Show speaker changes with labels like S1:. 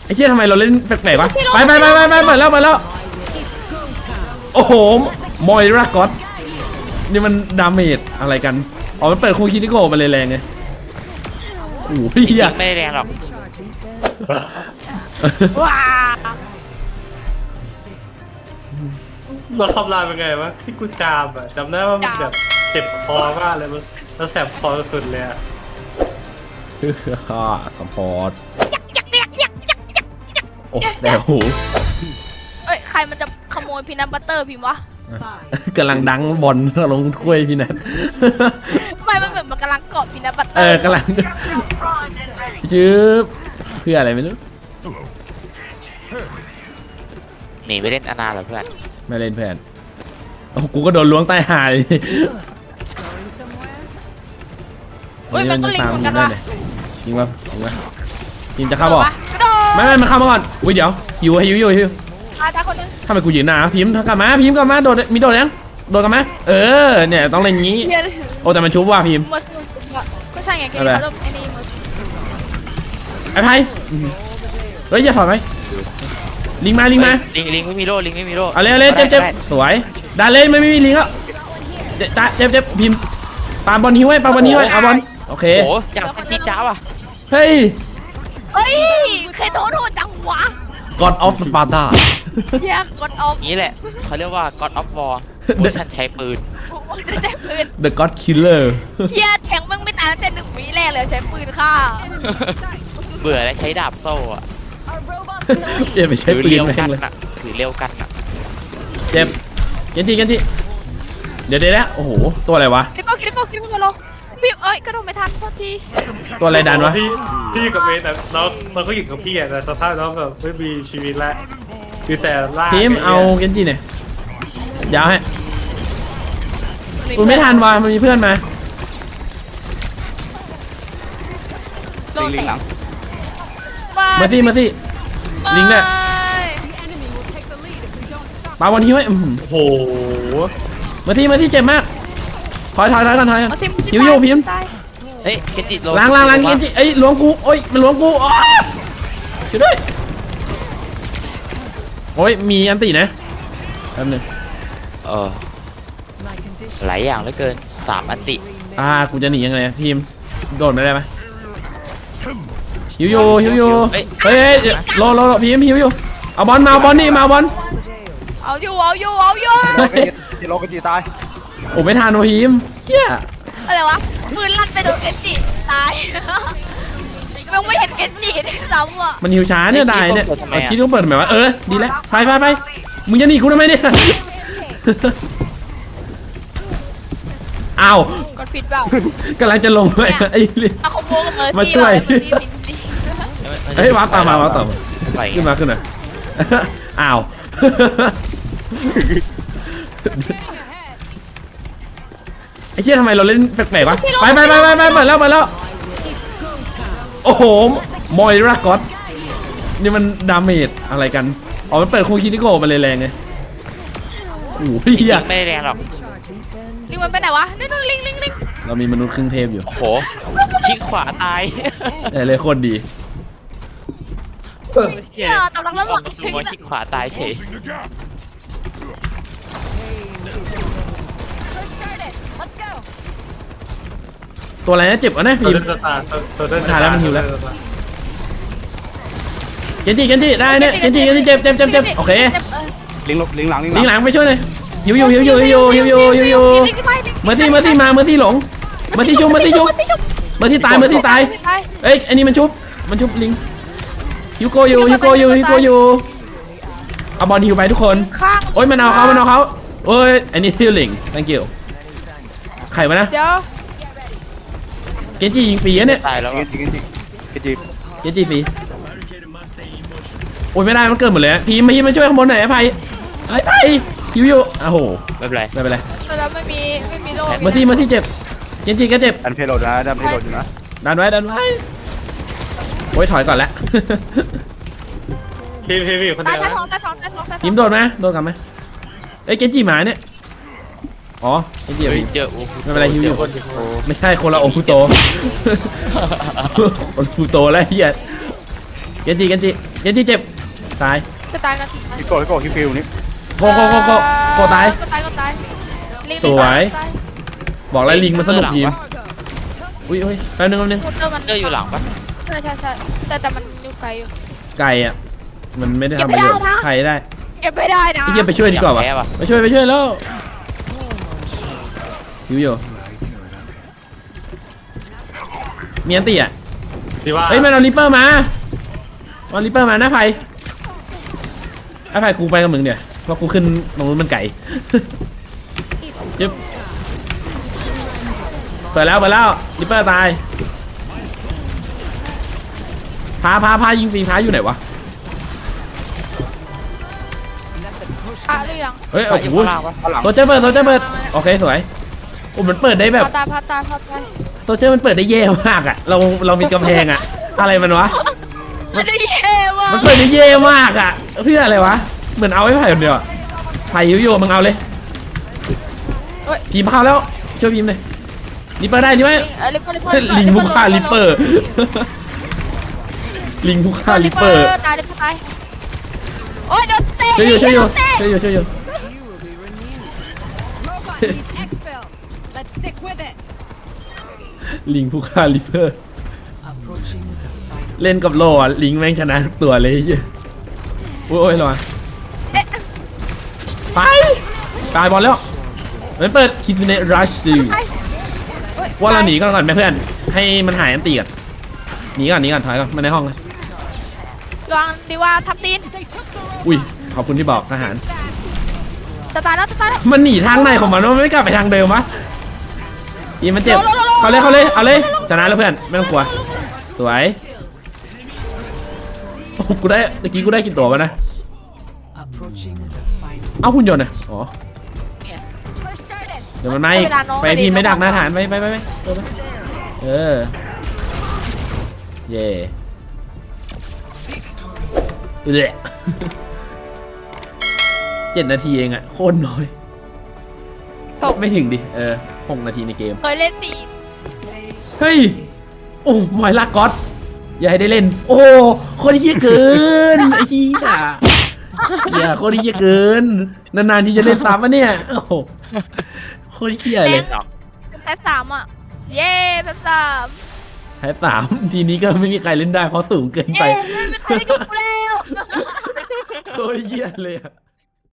S1: ไอ้เชี่ยทำไมเราเล่นแปลกๆวะไปเปิดแล้วโอ้โหมอยรากอสนี่มันดาเมจอะไรกันอ๋อมันเปิดคูคินิโกมาเลยแรงไงโอ้โหพี่อะ
S2: ไม่แรงหรอกว้า
S3: เราทำลายเป็นไงวะที่กูจามอ่ะจำได้ว่ามันแบบเจ็บคอมากเลยมันแล้วแสบคอสุดเลยอ่ะ
S1: สปอร์ตโอ้แสบหู
S4: เอ้ยใครมันจะขโมยพีนัทบัตเตอร์พิมพ์วะ
S1: กำลังดังบอลลงถ้วยพี่นัท
S4: ไม่มันเหมือนมันกำลังเกาะพีนัทบัตเตอร์
S1: กำลังชืบเพื่ออะไรไม่รู้
S2: หนีไปเล่นอนาเหรอเพื่อน
S1: ไม่เล่นเพื่อนโอ้กูก็โดนล้วงใต้หาย
S4: เฮ้ยมันก็ลิงเหมือนกันวะ
S1: จริงป่ะทีมจะเข้าบอก
S4: กระโดด
S1: ไม่มันเข้ามาก่อนอุ้ยเดี๋ยวหิว
S4: อาจารย์คนนึง
S1: ทำไมกูยืนหน้าพิมพ์กลับมาโดดมีโดดยังโดดกลับมาเนี่ยต้องเล่นงี้
S4: เรียน
S1: โอ้แต่มันชุบว่ะพิมพ์
S4: มัสมุนก็ใช่ไงแกเขาจะไอ้นี่มัส
S1: ไอ้ไพ่เฮ้ยอย่าถอยไหมลิงมา
S2: ลิงไม่มีโล่ลิงไม่มีโล่
S1: เอาเลยเจ็บสวยดาเล่นไม่มีลิงแล้วเจ็บพิมพ์ปาบอลหิ้วให้เอาบอลโอเค
S2: โอ้อยากเป็นจีจ้าว่ะ
S1: เฮ้ย
S4: เฮ้ยเคยโทษจังวะ
S1: God of Sparta
S4: แยกกดออฟ
S2: นี้แหละเขาเรียกว่า God of War เวอร์ชันใช้ปืน
S4: ใช้ปืน
S1: The God Killer
S4: เฮียแทงมึงไม่ตายตั้งแต่1 วิแรกเลยใช้ปืนฆ่า
S2: เบื่อแล้วใช้ดาบโซ่อะ
S1: อย่าไปใช้ปืน
S2: เร็ว
S1: แม่
S2: กั
S1: ง
S2: น
S1: เลย
S2: อะถือเร็วกันอะ
S1: เจ็บกันทีเดี๋ยวนะโอ้โหตัวอะไรวะ
S4: คิดก็โลพี่เอ้ยกระโดดไม่ทันโทษที
S1: ตัวอะไรดันวะ
S3: พี่กับเมย์แต่เราก็อยู่กับพี่อ่ะแต่สภาพน้องแบบไม่มีชีวิตแล้วมีแต่ล่า
S1: พิมพ์เอากันทีหน่อยยาวให้กูไม่ทันว่ะมันมีเพื่อนมา
S4: โดนแตก
S1: มาสิลิงเนี่ยปาบอลหิ้วให้
S3: โอ้โห
S1: มาที่เจ็บมากถอยก่อนหิวพิมพ์
S2: เฮ้ยเคนจิโล
S1: ล้างกินจิเอ้ยล้วงกูโอ้ยมันล้วงกูอ๋อช่วยด้วยโอ้ยมีอันตีนะแป๊บนึง
S2: หลายอย่างเหลือเกิน3 อันติ
S1: กูจะหนียังไงพิมพ์โดดไม่ได้ไหมหิวเฮ้ยรอพิมพ์หิวอยู่เอาบอลนี่มาบอล
S4: เอาอยู่
S5: จิโร่กับจีตาย
S1: โอ้ไม่ทันวะพิมพ์เฮีย
S4: อะไรวะปืนลั่นไปโดนเกนจิตายยังไม่เห็นเกนจิด้วยซ้ำอ่ะ
S1: มันหิวช้าเนี่ยได้เนี่ยคิดต้องเปิดทำไมวะดีแล้วไปมึงจะหนีกูทำไมเนี่ยอ้าว
S4: กดผิดเปล่าก
S1: ำลังจะลงไปไอ้ลิ
S4: เอาคอมโบกับเมอร์ซี่
S1: มาช่วย เฮ้ย
S4: มา
S1: ว้าตามมา
S2: ไป
S1: ขึ้นมาอ้าวไอ้เชี่ยทำไมเราเล่นแปลกๆวะไปเปิดแล้วโอ้โหมอยรากอสนี่มันดาเมจอะไรกันอ๋อมันเปิดคูคินิโกมาเลยแรงไงโอ้โหพี่อะ
S2: ไม่แรงหรอก
S4: ลิงมันไปไหนวะนี่นู่นลิง
S1: เรามีมนุษย์ครึ่งเทพอยู่
S2: โอ้โหคลิกขวาตาย
S1: เลยโคตรดี
S4: ตำลังแล้วหรอ
S2: ซูโม่คลิกขวาตายเฉย
S1: ตัวอะไรนะเจ็บวะนะ
S3: ตัว
S1: พิม
S3: เดิน
S1: พ์
S3: สตาร์ตัวเดิน
S1: ถ่ายแล้วมันหิวแล้ว เกนจิได้เนี่ยเกนจิเจ็บโอเค
S5: ลิงหลัง
S1: ลิงหลังไปช่วยหน่อยหิวเมื่อที่หลงเมื่อที่ชุบเมื่อที่ตายเอ้ยอันนี้มันชุบลิงฮิวโกอยู่เอาบอลฮิวไปทุกคน
S4: ข้าง
S1: โอ้ยมันเอาเขาโอ้ยอันนี้ฮิวลิง thank you ใครวะนะ
S4: เดี๋ยว
S1: เกนจิยิงฟรีเนี่ย
S2: ตายแล้ว
S5: ๆจี
S1: เกนจิฟรีโอ้ยไม่ได้มันเกิดหมดเลยพีมาช่วยข้างบนหน่อยไอ้ไผ่ฮิวอยู่โอ้โห
S2: ไม่เป็นไร
S1: ไม่เป็นไร
S4: แล้วไม่มีโล่
S1: เมื่อที่เจ็บเกนจิก็เจ็บ
S5: ดันเพลโลดนะดันเพลโลดอยู่นะ
S1: ดันไว้โอ้ยถอยก่อนแล้ว
S3: พี่อยู่คน
S4: ตา
S3: เดี
S4: ย
S3: ยว
S4: ท้อง
S3: นะ
S1: พิมพ์โดดกลับไหมเอ้ยเกนจิหมาเนี่ยอ๋อเกนจิ
S2: เฮ้ยเจอโอ้
S1: ไม่เป็นไรฮิวอยู่
S2: คนโอ้
S1: ไม่ใช่คนละโอคุโตโอคุโตแล้วเฮียเกนจินที่เจ็บตาย
S4: จะตายกัน
S5: ฮิโก้ฮิวนี่
S1: โกตาย
S4: ก็ตายลิง
S1: สวย
S4: ตาย
S1: บอกแล้วลิงมันสนุกทีมอุ้ยแป๊บนึง
S4: พูดเตอร์มัน
S2: เจออยู่หลังปะ
S4: ใช่แต่มันอยู่ไกลอยู่
S1: ไก่อ่ะมันไม่ได้ทำประโยชน์
S4: เก็บไม่ได้นะ
S1: ใครได้
S4: เก็บไม่ได้นะ
S1: ไอ้เหี้ยไปช่วยดีกว่าวะไปช่วยแล้วหิวอยู่มีอันตีอ่ะ
S3: ที่ว่า
S1: เฮ้ยมันเอาลิปเปอร์มาเอาลิปเปอร์มาหน้าไฟกูไปกับมึงเนี่ยเพราะกูขึ้นตรงนู้นมันไก่ ยึบเปิดแล้วลิปเปอร์ตายพายิงฟรีพาอยู่ไหนวะ
S4: อ่ะหรือยัง
S1: เฮ้ย
S2: ใส่
S1: โอ้
S2: อยู่
S1: โห
S2: ข้างล่างปะ
S5: ข้างหลัง
S1: โซเจอร์เปิดโอเคสวยโอ้มันเปิดได้แบบ
S4: พาตาย
S1: โซเจอร์มันเปิดได้แย่มากอ่ะเรามีกำแพงอ่ะอะไรมันวะ
S4: มันได้เย่มาก
S1: มันเปิดได้แย่มากอ่ะเพื่ออะไรวะเหมือนเอาไว้ไผ่คนเดียวอะไผ่อยู่มึงเอาเลยพิมพ์เข้าแล้วช่วยพิมพ์เลยลิปเปอร์ได้ใช่ไหม
S4: ลิปเปอร์
S1: ลิงผู้ฆ่าลิปเปอร์ลิงผู้ฆ่าลิปเปอร์
S4: ตายลิปเปอร์ตายโอ้ยโดนเตะ
S1: ช่วยอยู่
S6: Robot needs exfil. Let's stick with it.
S1: ลิงผู้ฆ่าลิปเปอร์เล่นกับโลอ่ะลิงแม่งชนะทุกตัวเลยโอ้ยระวังไปตายบอลแล้วมันเปิดคิดในรัชดูว่าเราหนีก่อนไหมเพื่อนให้มันหายอันตีก่อนหนีก่อนถอยก่อนมาในห้องเลย
S4: ลองดีว่าทำตีน
S1: อุ้ยขอบคุณที่บอกทหาร
S4: จะตายแล้ว
S1: มันหนีทางไหนของมันมันไม่กลับไปทางเดิมวะอีมันเจ็บเขาเลยเอาเลยชนะแล้วเพื่อนไม่ต้องกลัวสวยโอ้กูได้ตะกี้กูได้กี่ตัววะนะเอาหุ่นยนต์อ่ะอ๋อเดี๋ยวมันมาอีกไปทีมไม่ดักหน้าฐานไปเออเย่7 นาทีเองอะโคตรน้อยไม่ถึงดิ6 นาทีในเกม
S4: เคยเล่นตี
S1: เฮ้ยโอ้มอยลากก๊อตอย่าให้ได้เล่นโอ้โคตรเหี้ยเกินไอ้เหี้ยอย่าโคตรเหี้ยเกินนานๆที่จะเล่นซ้ำวะเนี่ยโอ้โหโคตรเหี้ยเลย
S4: แพ้3อ่ะเย้แพ้3
S1: แพ้3ทีนี้ก็ไม่มีใครเล่นได้เพราะสูงเกินไป
S4: เย้ไม่มีใครได้กับกูแล้ว
S1: โคตรเหี้ยเลยอะ